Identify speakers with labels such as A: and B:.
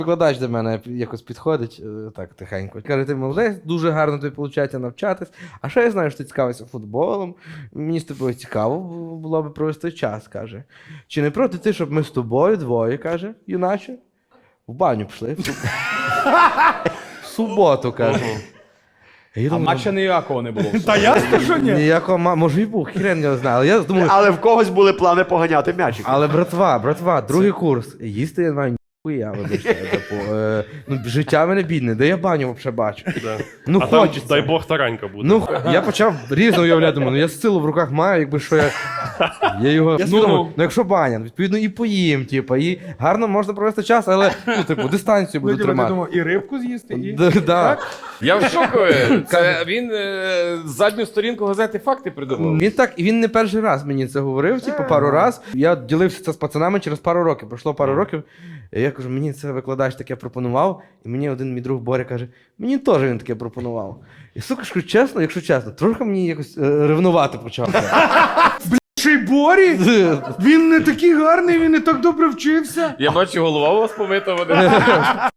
A: Викладач до мене якось підходить, так тихенько. Каже, ти молодець, дуже гарно тобі виходить навчатись. А ще я знаю, що ти цікавишся футболом. Мені з тобою цікаво було б провести час, каже. Чи не проти ти, щоб ми з тобою двоє, каже, юначе, в баню пішли? В суботу, каже. Я
B: А
A: думаю,
B: матча ніякого не було.
C: Та ясно, що ні.
A: ніякого, може і був, хрен я знаю. Але я думаю,
D: Але в когось були плани поганяти м'ячик.
A: але братва, другий курс. Їсти я маю ніхуя, вибачте. Ну, життя в мене бідне, де я баню взагалі бачу. Ну,
E: А там,
A: хочеться.
E: дай Бог, таранька буде.
A: Ну, я почав різно уявляти, думаю, ну я силу в руках маю, якби що я його. Ну, якщо баня, відповідно, і поїм, типу, і гарно можна провести час, але, ну, типу, дистанцію буду
C: Я
A: тримати.
C: думав, і рибку з'їсти, і...
A: Да.
B: Я в шоку. Це він задню сторінку газети «Факти» придумав.
A: Він не перший раз мені це говорив, типу, пару раз. Я ділився це з пацанами через пару років. Пройшло пару років. І я кажу, мені це викладач таке пропонував. І мені один мій друг Боря каже, мені теж він таке пропонував. І сука, ж кажу, чесно, якщо чесно, трохи мені якось ревнувати почав.
C: Ще й Борі? Він не такий гарний, він не так добре вчився.
B: Я бачу, голова у вас помита.